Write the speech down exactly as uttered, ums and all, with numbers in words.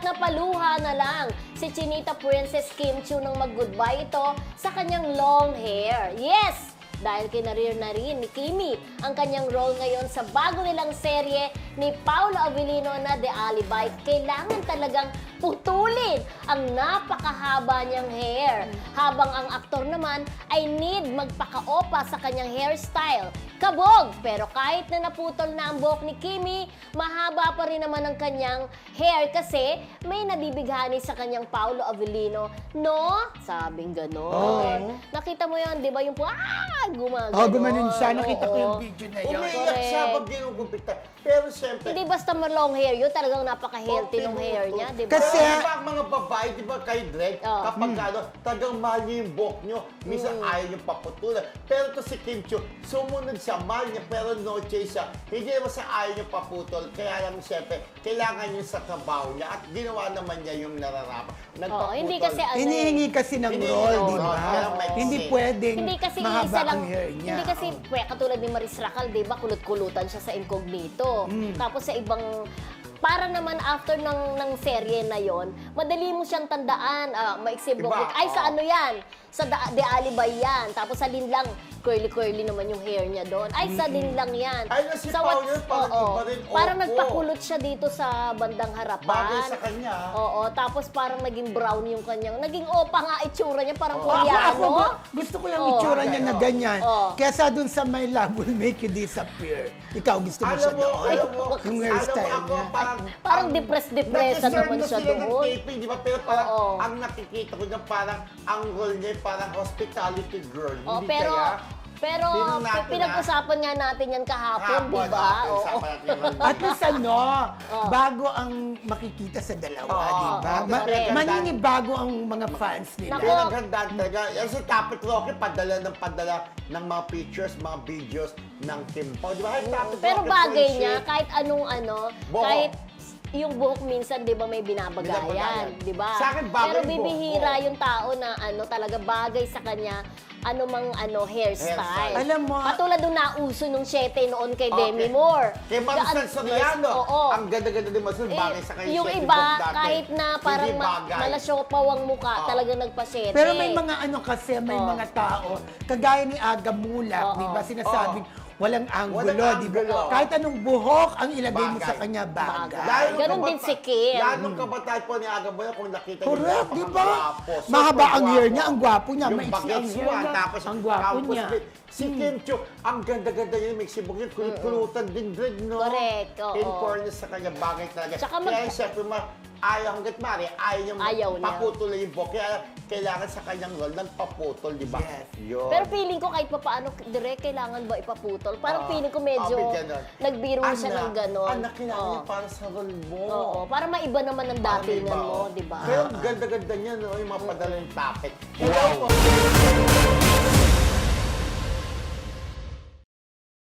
napaluha na lang si Chinita Princess Kim Chiu nang mag-goodbye ito sa kanyang long hair. Yes! Dahil kinareer na rin ni Kimi ang kanyang role ngayon sa bago nilang serye ni Paolo Avellino na The Alibi, kailangan talagang putulin ang napakahaba niyang hair. Habang ang aktor naman ay need magpaka-opa sa kanyang hairstyle. Kabog! Pero kahit na naputol na ang buhok ni Kimi, mahaba pa rin naman ang kanyang hair kasi may nabibighani sa kanyang Paolo Avellino. No? Sabing gano'n. Oh. Nakita mo yun, di ba? Yung po, ah! Gumagano. Oh, gumanon siya. Nakita ko Oo. yung video na yun. Umiiyak Correct. siya pag ginugumpita. Pero siyempre, Hindi basta long hair yun, talagang napaka-healthy ng hair niya, di ba? Kasi- Pero diba ang mga babae, di ba kayo, Drake, Oh. kapag ano, tagang mahal niyo yung buhok niyo, minsan Mm. ayaw niyo paputulan. Pero to si Kim Chiu, sumunod siya, mahal niya, pero no choice siya. Hindi naman sa ayaw niyo paputol. Kaya lang siyempre, kailangan niyo sa trabaho niya at ginawa naman niya yung nararapat. Oo, hindi kasi ano Hinihingi kasi ng Hinihingi role, ng di role, ba? kaya may Hindi kasi- pwedeng Hindi kasi mahaba isa lang, ang hair niya. hindi kasi, pwe, katulad ni Maris Racal, di ba, kulot-kulutan siya sa Incognito. Mm. Tapos sa ibang, para naman after ng ng serye na yon, madali mo siyang tandaan, ah, maiksi Diba? buhok. Ay, sa Oo. ano yan? Sa da, The Alibi yan. Tapos sa Linlang, curly-curly naman yung hair niya doon. Ay, sa Linlang yan. Ay, na si Sa Paolo, what's- parang oo. iba rin. Parang Opo. nagpakulot siya dito sa bandang harapan. Bagay sa kanya. Oo, tapos parang naging brown yung kanyang, naging opa nga itsura niya, parang Oo. Ako, koreano. ako, ba, gusto ko yung Oo. itsura niya na Oo. ganyan. Oo. Kesa dun sa My Love Will Make You Disappear. Ikaw, gusto mo siya Alam mo, doon? alam mo, Yung alam mo hairstyle ako, niya. parang... Parang ang- depressed-depressed nag-deserve naman na siya sila ng doon. taping, di ba? Pero parang, Oo. ang nakikita ko niya, parang, ang role niya, parang hospitality girl. Oh, Hindi pero kaya? pero Tingnan natin, pi- pinag-usapan nga natin yan kahapon, Hapon, di ba? hapon, Oo. usapan natin yung role At niya. least ano, Oh. bago ang makikita sa dalawa, Oo, di ba? oo, Ma- correct. maninibago ang mga fans nila. Nako. Kaya nagandaan talaga. Yan si Tapit Rocky, padala ng padala ng mga pictures, mga videos ng Kim Pao. Di ba? Hey, Tapit Pero Rocky, bagay friendship. niya, kahit anong ano, Buhok. kahit yung buhok minsan, di ba, may binabagayan, Binabagayan. di ba? Sa akin, bagay Pero yung buhok bibihira ko. yung tao na ano, talaga bagay sa kanya, ano mang ano, hairstyle. Hairstyle. Alam mo, Katulad nung nauso nung siyete noon kay Okay. Demi Moore. Kay Maricel Gaan- Soriano, Oo. ang ganda-ganda din Maricel, Eh, bagay sa kanya yung siya, iba, buhok dati. kahit na parang Hindi ma- bagay. malasyopaw ang mukha, Oo. talagang nagpasyete. pero may mga ano kasi, may Oh. mga tao, kagaya ni Aga Mulak, Oo. di ba, sinasabing walang anggulo, Walang di ba? anggulo. Kahit anong buhok ang ilagay mo Bagay. sa kanya, bagay. Bagay. nung Ganon kabata- din si Kim. Lalo nung kabataan po ni Aga Boy, kung nakita niyo, Correct, di ba? napakagwapo. Super Mahaba ang hair gwapo. niya, ang gwapo niya, Yung maiksi ang bagets hair one, niya, tapos ang gwapo campus niya. fit. Si Kim Chiu, ang ganda-ganda niya, may sibuk niya, kulit-kulutan din rin, no? Correct, oo. In fairness sa kanya, bagay talaga. Tsaka mag- Kaya siyempre, ma ayaw hanggat mari, ayaw niya Ayaw niya. paputol na yung buhok. Kaya kailangan sa kanyang role, nagpaputol, di ba? Yes. Yun. Pero feeling ko kahit pa paano, direct kailangan ba ipaputol? Parang Oo. feeling ko medyo Ah, may ganon. nagbiro siya ng ganon. Anak, kailangan Oo. niya para sa role mo. Oo, para maiba naman ang Para datingan iba, mo, oh. di ba? Pero ang ganda-ganda niya, no? Yung mga padala ng tapet. Hello po.